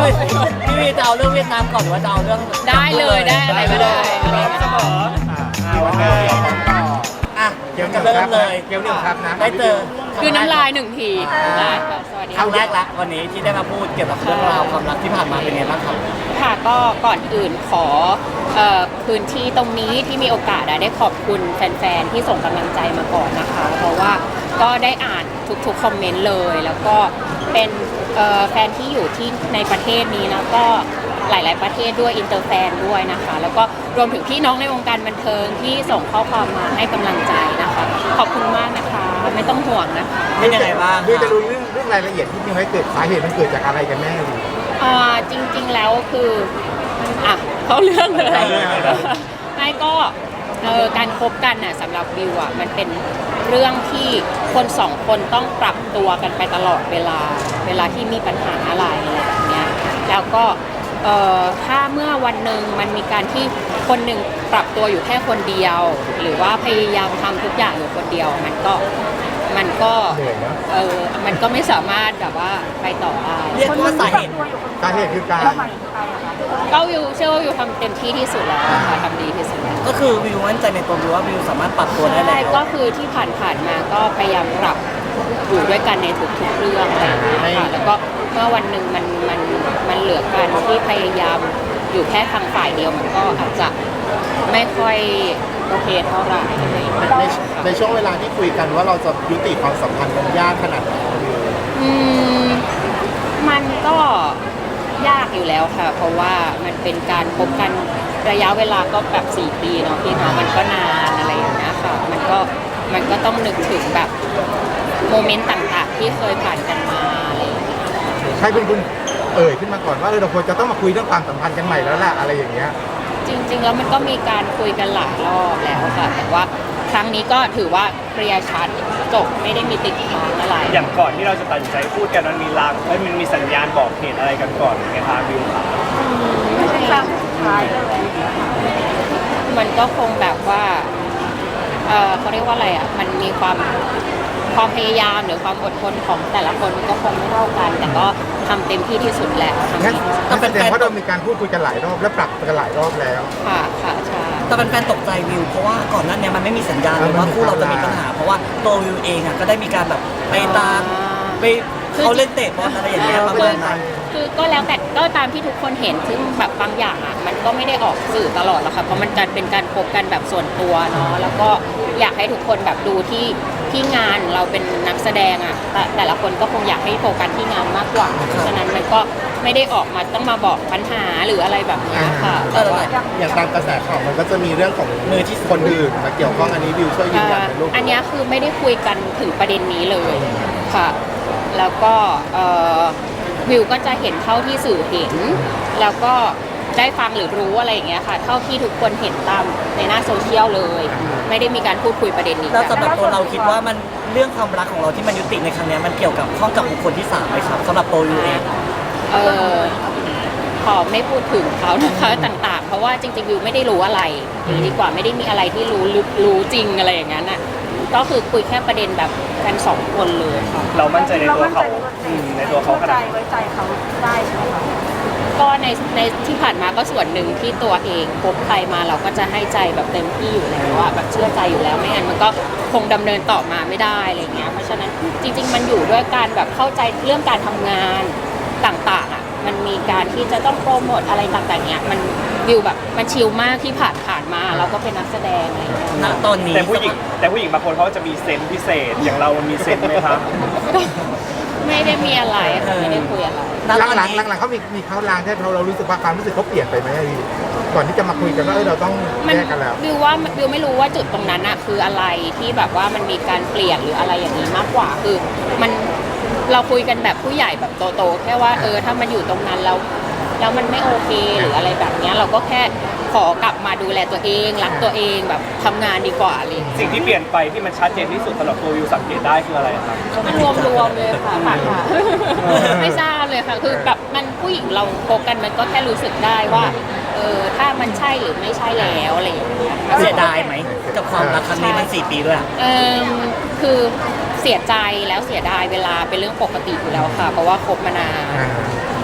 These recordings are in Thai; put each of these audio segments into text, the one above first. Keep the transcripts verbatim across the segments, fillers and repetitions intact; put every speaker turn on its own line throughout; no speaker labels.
พี่วีจะเอาเรื่องเวียดนามก่อนหรือว่าจะเอาเรื่อง
ได้เลยได้อะไรก็ได้อะไรก็
เสม
ได้
อ
วันนี้เราต้องต่อ
อ่ะ
เกี่ยว
จะ
กับ
เริ่มเลย
เกี่ยวกับครับนะ
ได้เจอ
คือน้ำลายหนึ่งทีได้ค่ะสวัสดี
ครั้งแร
ค่ะ
กละวันนี้ที่ได้มาพูดเกี่ยวกับเรื่องราวความรักที่ผ่านมาเป็นไงบ้างครับ
ค่ะก็ก่อนอื่นขอเอ่อพื้นที่ตรงนี้ที่มีโอกาสอะได้ขอบคุณแฟนๆที่ส่งกำลังใจมาก่อนนะคะ เพราะว่าก็ได้อ่านทุกๆคอมเมนต์เลย แล้วก็เป็นเอ่อแฟนที่อยู่ที่ในประเทศนี้แล้วก็หลาย ๆประเทศด้วยอินเตอร์แฟนด้วยนะคะ แล้วก็รวมถึงพี่น้องในวงการบันเทิงที่ส่งข้อความมาให้กำลังใจนะคะ ขอบคุณมากนะคะไม่ต้องห่วงนะคะ
เป็นยังไงบ้าง
คือจะรู้เรื่องเรื่องรายละเอียดที่จริงไหมเกิดสาเหตุมันเกิดจากอะไรกันแน่ดี
อ่าจริงๆแล้วคืออ่ะเขาเรื่องเลย
เข้าเรื่องเลย
ไม่ก็เออการคบกันน่ะสำหรับวิวอ่ะมันเป็นเรื่องที่คนสองคนต้องปรับตัวกันไปตลอดเวลา เวลาที่มีปัญหาอะไรอะไรแบบเนี้ยแล้วก็เอ่อถ้าเมื่อวันหนึ่งมันมีการที่คนหนึ่งปรับตัวอยู่แค่คนเดียว หรือว่าพยายามทำทุกอย่างอยู่คนเดียวมันก็มันก็
เหนื่อยนะ
เออมันก็ไม่สามารถแบบว่าไปต่อได้
เรียกว่าสาเหตุ
สาเหตุคือการ
ก็วิวเชื่อว่าวิวทำเต็มที่ที่สุดแล้วค่ะทำดีที่สุดแล้ว
ก็คือวิวมั่นใจในตัววิวว่าวิวสามารถปรับตัวได้
ใช่
แล้ว
ก็คือที่ผ่านๆมาก็พยายามปรับอยู่ด้วยกันในทุกๆเรื่องอะไรอย่างเงี้ยค่ะแล้วก็เมื่อวันหนึ่งมันมันมันเหลือการที่พยายามอยู่แค่ทางฝ่ายเดียวมันก็อาจจะไม่ค่อยโอเคเท่าไหร่อะไรอย่างเงี้ย
ในในช่วงเวลาที่คุยกันว่าเราจะยุติความสัมพันธ์มันยากขนาดไหน
อืมมันก็ยากอยู่แล้วค่ะ เพราะว่ามันเป็นการคบกันระยะเวลาก็แบบสี่ปีเนาะพี่เนาะมันก็นานอะไรอย่างเงี้ยค่ะ มันก็มันก็ต้องนึกถึงแบบโมเมนต์ต่างๆ ที่เคยผ่านกันมาอะไรอย่างเงี้ย
ใครเป็นคุณเอ่ยขึ้นมาก่อนว่าเออเราควรจะต้องมาคุยเรื่องความสัมพันธ์กันใหม่แล้วล่ะอะไรอย่างเงี้ย
จริงๆแล้วมันก็มีการคุยกันหลายรอบแล้วค่ะ แต่ว่าครั้งนี้ก็ถือว่าเคลียร์ชัดจบไม่ได้มีติดค้างอะไร
อย่างก่อนที่เราจะตัดสินใจพูดกันมันมีลางเอ้ยมันมีสัญญาณบอกเหตุอะไรกันก่อนไหมคะวิวขา
ไม่ใช่ครั้งสุดท้ายเลยมันก็คงแบบว่า เออเขาเรียกว่าอะไรอ่ะ มันมีความความพยายามหรือความอดทนของแต่ละคนมันก็คงไม่เท่ากัน แต่ก็ทำเต็มที่ที่สุดแหละทำ
งั้น
ดีที่สุด
นั่นแสดงว่าเรามีการพูดคุยกันหลายรอบและปรับกันหลายรอบแล้ว
ค่ะค่ะใช่
แต่เป็นแฟนตกใจวิวเพราะว่าก่อนหนั้นเนี่ยมันไม่มีสัญญาณเลย
เออมัน
ว่า
มี
คู่เราจะมี
ความ
ปัญหา เพราะว่าตัววิวเองอ่ะก็ได้มีการแบบไปตามไปเขาเล่นเตะบอลอะไรอย่างเงี้ยประมาณนั้น
คือก็แล้วแต่ก็ตามที่ทุกคนเห็นซึ่งแบบบางอย่างอ่ะมันก็ไม่ได้ออกสื่อตลอดหรอกค่ะเพราะมันการเป็นการพบกันแบบส่วนตัวเนาะแล้วก็อยากให้ทุกคนแบบดูที่ที่งานเราเป็นนักแสดงอ่ะแต่แต่ละคนก็คงอยากให้โฟกัสที่งานมากกว่าเพราะฉะนั้นมันก็ไม่ได้ออกมาต้องมาบอกปัญหาหรืออะไรแบบนี้ค่ะแต่ว่า
อย่างตามกระแสข่าวมันก็จะมีเรื่องของมือที่คนอื่นมาเกี่ยวข้องอันนี้วิวช่วยยืนยันเป็นลูก
อันเนี้ยคือไม่ได้คุยกันถึงประเด็นนี้เลยค่ะ แล้วก็เอ่อวิวก็จะเห็นเท่าที่สื่อเห็น แล้วก็ได้ฟังหรือรู้อะไรอย่างเงี้ยค่ะ เท่าที่ทุกคนเห็นตามในหน้าโซเชียลเลย ไม่ได้มีการพูดคุยประเด็นนี้
แล้ว
กัน
สำหรับตัวเราคิดว่ามันเรื่องความรักของเราที่มันยุติในครั้งเนี้ยมันเกี่ยวกับข้องกับบุคคลที่สามไหมครับสำหรับตัววิวเอง
เออขอไม่พูดถึงเขานะคะต่างๆ เพราะว่าจริงๆวิวไม่ได้รู้อะไรอย่างนี้ดีกว่าไม่ได้มีอะไรที่รู้ลึกรู้จริงอะไรอย่างนั้นอ่ะก็คือคุยแค่ประเด็นแบบกันสองคนเลยค่ะ
เรามั่นใจในตัวเขาอืมในตัวเขาข
ใจ
นาดไหน
ไว้ใจเขาได้ใช่ไหมคะ
ก็ในในที่ผ่านมาก็ส่วนหนึ่งที่ตัวเองพบใครมาเราก็จะให้ใจแบบเต็มที่อยู่แล้วว่าแบบเชื่อใจอยู่แล้วไม่งั้นมันก็คงดำเนินต่อมาไม่ได้อะไรเงี้ยเพราะฉะนั้นจริง ๆ มันอยู่ด้วยการแบบเข้าใจเรื่องการทำงานต่างๆอ่ะมันมีการที่จะต้องโปรโมทอะไรต่างๆเนี้ยมันวิวแบบมันชิลมากที่ผ่านผ่านมาเราก็เป็นนักแสดงอะไรเงี้ย
ณตอนนี้
แต่ผู้หญิงแต่ผู้หญิงบางคนเขาจะมีเซนส์พิเศษ อย่างเรามันมีเซนส์ไหมคะ
ก็ไม่ได้มีอะไรค่ะไม่ได้คุยอะไร
ณ
ห
ต
ลั
อง น
หลัง
นี้
หลังๆเขามีมีเขาลางที่เราเรารู้สึกว่าความรู้สึกเขาเปลี่ยนไปไหมพี่ก่อนที่จะมาคุยกันว่าเออเราต้อง
มัน
แยกกันแล้ว
วิวว่าวิวไม่รู้ว่าจุดตรงนั้นอะคืออะไรที่แบบว่ามันมีการเปลี่ยนหรืออะไรอย่างนี้มากกว่าคือมันเราคุยกันแบบผู้ใหญ่แบบโตๆแค่ว่าเออถ้ามันอยู่ตรงนั้นแล้วแล้วมันไม่โอเคหรืออะไรแบบเนี้ยเราก็แค่ขอกลับมาดูแลตัวเองรักตัวเองแบบทำงานดีกว่าอะไรอย่างเลย
สิ่งที่เปลี่ยนไปที่มันชัดเจนที่สุดสำหรับตัววิวสังเกตได้คืออะไรครับ
รวมรวมๆเลยค่ะค่ะค่ะไม่ทราบเลยค่ะคือแบบมันผู้หญิงเราโคบกันมันก็แค่รู้สึกได้ว่าเออถ้ามันใช่หรือไม่ใช่แล้วอะไรอย่างเงี้ย
เสียดายไหมกับความรักครั้งนี้มันสี่ปีด้วยอะ
เออคือเสียใจแล้วเสียดายเวลาเป็นเรื่องปกติอยู่แล้วค่ะ เพราะว่าคบมานาน
อ่า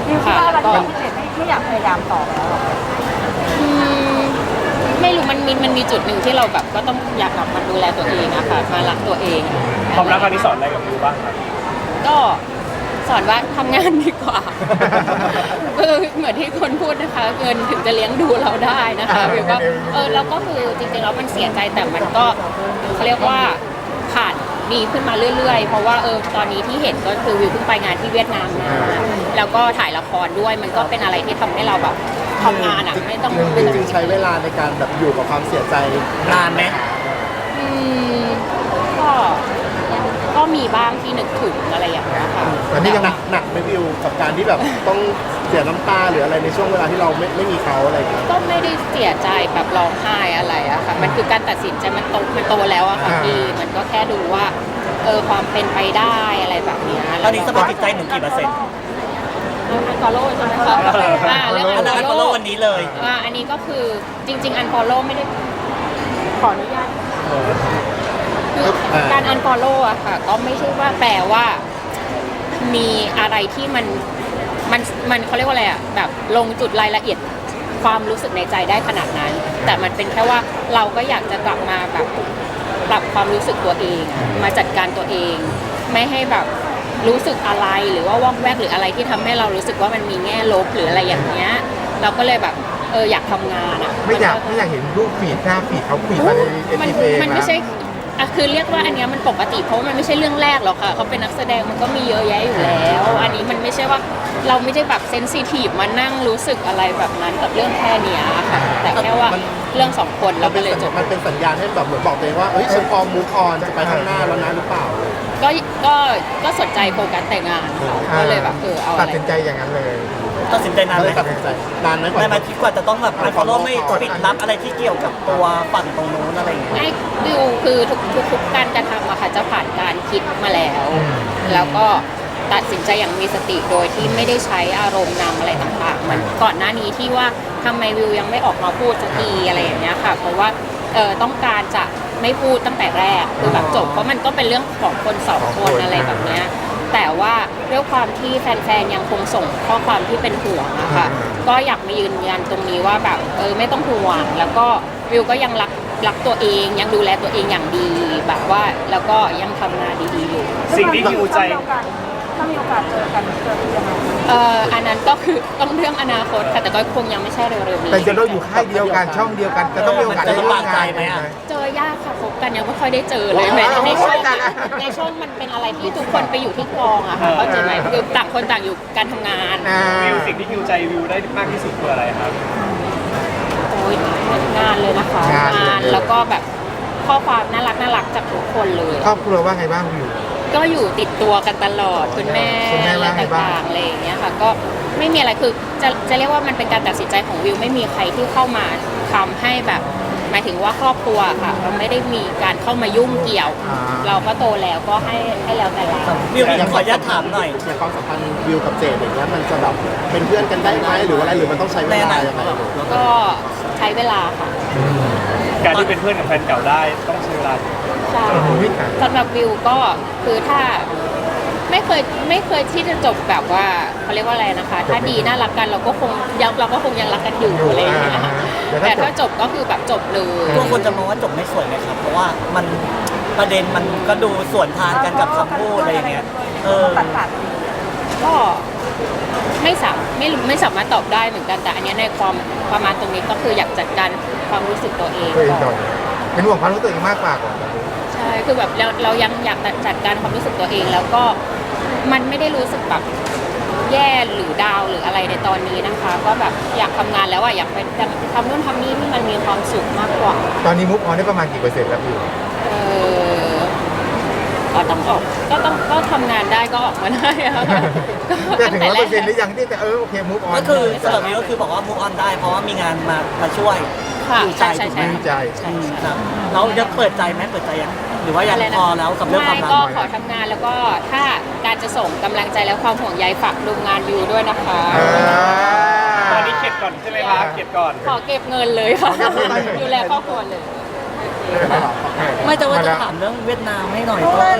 วิวคิดว่าอะไรที่พี่เจดไม่ไม่อยากพยายามต่อแล้วหรอ
อืมไม่รู้มันมีมันมีจุดหนึ่งที่เราแบบก็ต้องอยากกลับมาดูแลตัวเองอะค่ะมารักตัวเอง
ความรักครั้งนี้สอนอะไรกับวิวบ้างครับ
ก็สอนว่าทำงานดีกว่า เออเหมือนที่คนพูดนะคะ เงินถึงจะเลี้ยงดูเราได้นะคะวิวก็เออเราก็คือจริงๆแล้วมันเสียใจแต่มันก็เขาเรียกว่าผ่านดีขึ้นมาเรื่อยๆ เพราะว่าเออตอนนี้ที่เห็นก็คือวิวเพิ่งไปงานที่เวียดนามมาแล้วก็ถ่ายละครด้วยมันก็เป็นอะไรที่ทำให้เราแบบทำงานอ่ะไม่ต้อง
จริงๆใช้เวลาในการแบบอยู่กับความเสียใจ
นานไหม
อืมก็ก็มีบ้างที่นึกถึงอะไรอย่างเงี้ยค่ะ
ตอนนี้ยัง
หนักหนักไหม่วิวกับการที่แบบต้องเสียน้ำตาหรืออะไรในช่วงเวลาที่เราไม่ไม่มีเขาอะไรอย่างเงี้ย
ก็ไม่ได้เสียใจแบบร้องไห้อะไรอะค่ะ มันคือการตัดสินใจมันโตมันโตแล้วอะค่ะพี่มันก็แค่ดูว่าเออความเป็นไปได้อะไรแบบเนี้ย
ตอนนี้สภาพจิตใจหนูกี่เปอร์เซ็นต์
อันฟอลโล่ใช่ไหมคะอ่าเรื่อง
อั
อั
น
น
นั้น
ฟ
ก็
อล
โล
โล่
กวันนี้เลย
อ่าอันนี้ก็คือจริง ๆ อันฟอลโล่ไม่ได้ขออนุญาตคือการอันฟอลโล่อะค่ะ ก็ไม่ใช่ว่าแปลว่า มีอะไรที่มันมันมันเขาเรียกว่าอะไรอะแบบลงจุดรายละเอียดความรู้สึกในใจได้ขนาดนั้น แต่มันเป็นแค่ว่าเราก็อยากจะกลับมาแบบปรับความรู้สึกตัวเองอะมาจัดการตัวเอง ไม่ให้แบบรู้สึกอะไรหรือว่าว่องแวกหรืออะไรที่ทำให้เรารู้สึกว่ามันมีแง่ลบหรืออะไรอย่างเงี้ยเราก็เลยแบบเอออยากทำงานอะ
ไม่อยากไม่อยากเห็นรูปฟีดหน้าฟีดเขาฟีดมาในเอ
มัน
ทีเอ
มันไม่ใช่อะคือเรียกว่าอันเนี้ยมันปกติเพราะว่ามันไม่ใช่เรื่องแรกหรอกค่ะเขาเป็นนักแสดงมันก็มีเยอะแยะอยู่แล้ว อันนี้มันไม่ใช่ว่าเราไม่ได้แบบเซนซิทีฟมานั่งรู้สึกอะไรแบบนั้นกับเรื่องแค่เนี้ยค่ะแต่แค่ว่าเรื่องสองคนเรา
มัน
ก็
เป็น
เลย
สัญ
จบ
มันเป็นสัญญาณให้แบบเหมือนบอกตัวเองว่าเอ้ยฉันพร้อมมูฟออนจะไปข้างหน้าแล้วนะหรือเปล่า
ก็ก็ก็สนใจโฟกัสแต่งานเขาก็เลยแบบเออเอา
ตั
อะ
ด
ไร
สินใจอย่างนั้นเลย
ตัดสินใจนาน
ก็
ไห
เล
ม
ยตัดสินใจนานไหมกว่า
ในมาคิดกว่าจะต้องแบบอันฟอลโล่ไม่ปิดลับอะไรที่เกี่ยวกับตัวฝั่งตรงนู้นอะไรอย่างเงี้ย
ไอ้วิวคือทุกทุกทุกการกระทำอะค่ะจะผ่านการคิดมาแล้ว แล้วก็ตัดสินใจอย่างมีสติโดยที่ไม่ได้ใช้อารมณ์นำอะไรต่างๆมันก่อนหน้านี้ที่ว่าทำไมวิวยังไม่ออกมาพูดสักทีอะไรอย่างเงี้ยค่ะ เพราะว่าเออต้องการจะไม่พูดตั้งแต่แรกคือแบบจบเพราะมันก็เป็นเรื่องของคนสองคนอะไรแบบเนี้ยแต่ว่าด้วยความที่แฟนๆยังคงส่งข้อความที่เป็นห่วงอะค่ะก็อยากมายืนยันตรงนี้ว่าแบบเออไม่ต้องห่วงแล้วก็วิวก็ยังรักรักตัวเองยังดูแลตัวเองอย่างดีแบบว่าแล้วก็ยังทำงานดีๆอยู่
สิ่งที่ฮิวใจ
ถ้ามีโอกาสเจอกันเจอกันยังไง
เอ่ออันนั้นก็คือต้องเรื่องอนาคตค่ะแต่ก็คงยังไม่ใช่เร็วๆนี้
แต่จะเราอยู่ค่ายเดียวกันช่องเดียวกันจะต้องมีโอกาสได้ร่วมงาน
ไหมอะ
เจอยากค่ะพบกันยังไม่ค่อยได้เจอเลยแม้ในช่องในช่องมันเป็นอะไรที่ทุกคนไปอยู่ที่กองอะค่ะเข้าใจไหมคือต่างคนต่างอยู่การทำงาน
อ่า
วิวสิ่งที่ฮิวใจวิวได้มากที่สุดคืออะไรครับ
โอ้ยงานเลยนะคะงานแล้วก็แบบข้อความน่ารักน่ารักจากทุกคนเลย
ครอบครัวว่าไงบ้างวิว
ก็อยู่ติดตัวกันตลอดคุณแม่
คุณแม่
อะไร
ว่าไงบ้าง
ต่างๆอะไรอย่างเงี้ยค่ะก็ไม่มีอะไรคือจะจะเรียกว่ามันเป็นการตัดสินใจของวิวไม่มีใครที่เข้ามาทำให้แบบหมายถึงว่าครอบครัวค่ะเราไม่ได้มีการเข้ามายุ่งเกี่ยว
อ่า
เราก็โตแล้วก็ให้ให้แล้วแต่เรา
วิวขออนุญาตถามหน่อย
อย่างความสัมพันธ์วิวกับเจดอย่างเงี้ยมันจะแบบเป็นเพื่อนกันได้ไหมหรือว่าอะไรหรือมันต้องใช้เวลายังไง
ก็ใช้เวลาค่ะ
การที่เป็นเพื่อนกับแฟนเก่าได้ต้องใช้เวลา
ใช่
โอ้ยค่ะ
สำหรับวิวก็คือถ้าไม่เคยไม่เคยที่จะจบแบบว่าเขาเรียกว่าอะไรนะคะ ถ้าดีน่ารักกันเราก็คงยังเราก็คงยังรักกันอยู่อะไรอย่างเงี้ยค่ะแต่ถ้าจบก็คือแบบจบเลย
ตัวคนจะมองว่าจบไม่สวยไหมครับ เพราะว่ามันประเด็นมันก็ดูส่วนทางกันกับคำพูดอะไรอย่างเงี้ย เออ
ตัดขาด
ก็ไม่สามไม่รู้ไม่สามารถตอบได้เหมือนกันแต่อันเนี้ยในความประมาณตรงนี้ก็คืออยากจัดการความรู้สึกตัวเอง
ตัวเอง
ก่
ก่
อ
อน นเป็นห่วงความรู้สึกตัวเองมากกว่าก่อน
ใช่คือแบบเราเรายังอยากจัดการความรู้สึกตัวเอง แล้วก็มันไม่ได้รู้สึกแบบแย่หรือดาวหรืออะไรในตอนนี้นะคะ ก็แบบอยากทำงานแล้วอะอยากไปทำนู่นทำนี่ที่มันมีความสุขมากกว่า
ตอนนี้มุกออนได้ประมาณกี่เปอร์เซ็นต์แล้ววิว
เออก็ต้องออกก็ต้องก็ทำงานได้ก็ออกมาได้อะ
จะถึงร้อยเปอร์เซ็นต์หรือยังที่จะเออโอเคมุกออน
ก็คือสำหรับวิวก็คือบอกว่า move on ได้ เพราะว่ามีงานมามาช่วย
ค่ะ
อยู่ใจ
ใช่ใช่
ถูกไหม
ใช่
ใจ
ใช่ใช่
ครับเรายังเปิดใจไหมเปิดใจยังหรือว่ายังพอแล้วกับเรื่องความ
ไม่
รัก
ก็ขอทำงานแล้วก็ถ้าการจะส่งกำลังใจและความห่วงใยฝากดูงานวิวด้วยนะคะ
อ่า
ตอนนี้เก็บก่อนใช่ไหมคะเก็บก่อน
ขอเก็บเงินเลยค่ะ
ขอเก็บเงินเลย
ดูแลครอบครัวเลย
ไม่จะว่าจะถามเรื่องเวียดนามให้หน่อย
เพราะว่า
เออ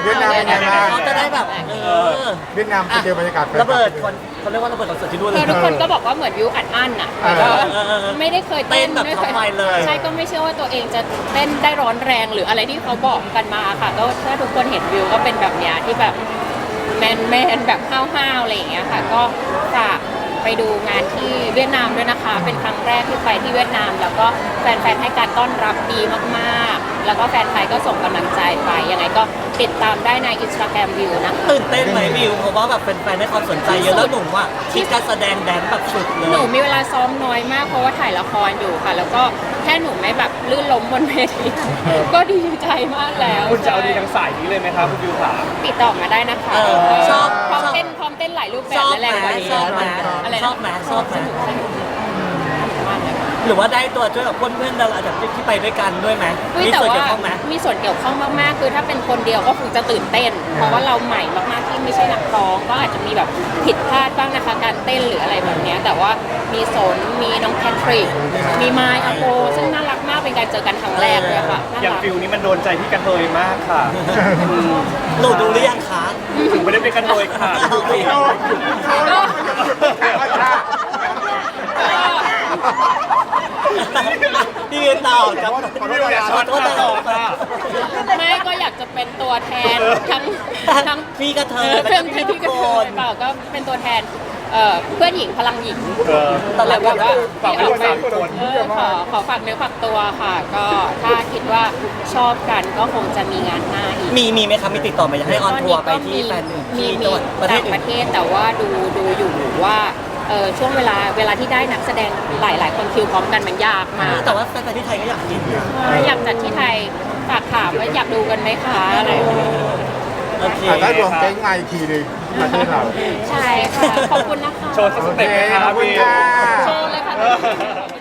เวียดนามเป็นไงบ้าง
เขาจะได้แบบเออ
เวียดนามไปเจอบรรยากาศแฟนคลั
ระเบิดคนเขาเรียกว่าระเบิดคอนเสิร์ตที่นู่นเล
คื
ย
อทุกคนก็บอกว่าเหมือนวิวอัดอั้นอ่ะแล้วก็
เออเออเออ
ไม่ได้เคย
เต้นแบบ
ไม่ค
ท็อปไฟเลย
ใช่ก็ไม่เชื่อว่าตัวเองจะเต้นได้ร้อนแรงหรืออะไรที่เขาบอกกันมาค่ะก็ถ้าทุกคนเห็นวิวก็เป็นแบบเนี้ยที่แบบแมนแมนแบบห้าวๆอะไรอย่างเงี้ยค่ะก็ฝากไปดูงานที่เวียดนามด้วยนะคะเป็นครั้งแรกที่ไปที่เวียดนาม แล้วก็แฟนๆให้การต้อนรับดีมากๆแล้วก็แฟนไทยก็ส่งกำลังใจไปยังไงก็ติดตามได้ในอินสตาแกรมวิวนะคะ
ตื่นเต้นไหมวิวเพราะว่าแบบเป็นแฟนให้ความสนใจเยอะแล้วหนุ่มว่าคิดการแสดงแดนแบบสุดเลย
หนูมีเวลาซ้อมน้อยมากเพราะว่าถ่ายละครอยู่ค่ะ แล้วก็แค่หนูไม่แบบลื่นล้มบนเวทีก็ดีใจมากแล้ว
คุณจะเอาดีทางสายนี้เลยไหมครับคุณวิวขา
ติดต่อมาได้นะคะ
เออชอบ
พร้อม
ชอบ
เต้นพร้อมเต้นหลายรูปแบ
ช
บ
อบ
และ
ไห
แร
ม
งกว่านี้
ชอบไหม
อะไรนะ
ชอบไหมชอบไหม
สนุกสนุกมากเลยค่ะ
หรือว่าได้ตัวช่วยกับเพื่อนๆดาราจากที่ไปด้วยกันด้วยไหม
อุ๊ย
มี
แต่
ส่วน
ว่า
เกี่ยวข้องไหม
มีส่วนเกี่ยวข้องมากๆ คือถ้าเป็นคนเดียวก็คงจะตื่นเต้น เพราะว่าเราใหม่มากๆที่ไม่ใช่นักร้องก็อาจจะมีแบบผิดพลาดบ้างนะคะการเต้นหรืออะไรแบบเนี้ยแต่ว่ามีสนมีน้องแพทริกมีไมค์อโปซึ่งน่ารักมากเป็นการเจอกันครั้งแรกเลยค่ะน่า
อย่าง
รัก
ฟิลนี้มันโดนใจพี่กระเทยมากค่ะอืม
หนูดูหรือยังคะ
ถึงไม่ได้เป็นกระเทยค่ะ
พี่ยืนต่อกับ
วิวอย่าช็อต
ขอโทษ
ตลอดค่ะ
ไม่ก็อยากจะเป็นตัวแทนทั้งทั้ง
พี่กระเท
เอย อ
และ
เพื่อน
พี่
พี่
ทุ
ทุ
ก
ก
ค
คน นเปล่าก็เป็นตัวแทนเอ่อเพื่อนหญิงพลังหญิง
เออ
แล้วแบบว่า
ฝากไว้ด้วยสามคน
เออขอขอฝากเนื้อฝากตัวค่ะ ก็ถ้าคิดว่าชอบกันก็คงจะมีงานหน้าอีก
มีมีไหมครับมีติดต่อมาอยากให้ออนทัวร์ไปที่แฟนหนึ่ง
มี
ที่
มี
จังหวัดประเทศ
ต่าง
อื่
ป
น
ระเทศแต่ว่าดูดูอยู่ว่าเออช่วงเวลาเวลาที่ได้นักแสดงหลายหลายคนคิวพร้อมกันมันยากมาก
แต่ว่าแฟนๆที่ไทยก็อยากกินนะ
อยากจัดที่ไทยฝากถามว่าอยากดูกันไหมคะอะไรแบบนี้
โอเค
อ่ะได้รวมเจ๊งมาอีกทีหนึงประเทศเรา
ใช่ค่ะ ขอบคุณนะคะ
โชว์สักสเต็ปไหมค
ข
รั
อ
บบ
คุณ
วิว
ค่ะ
โชว์เลยค่ะ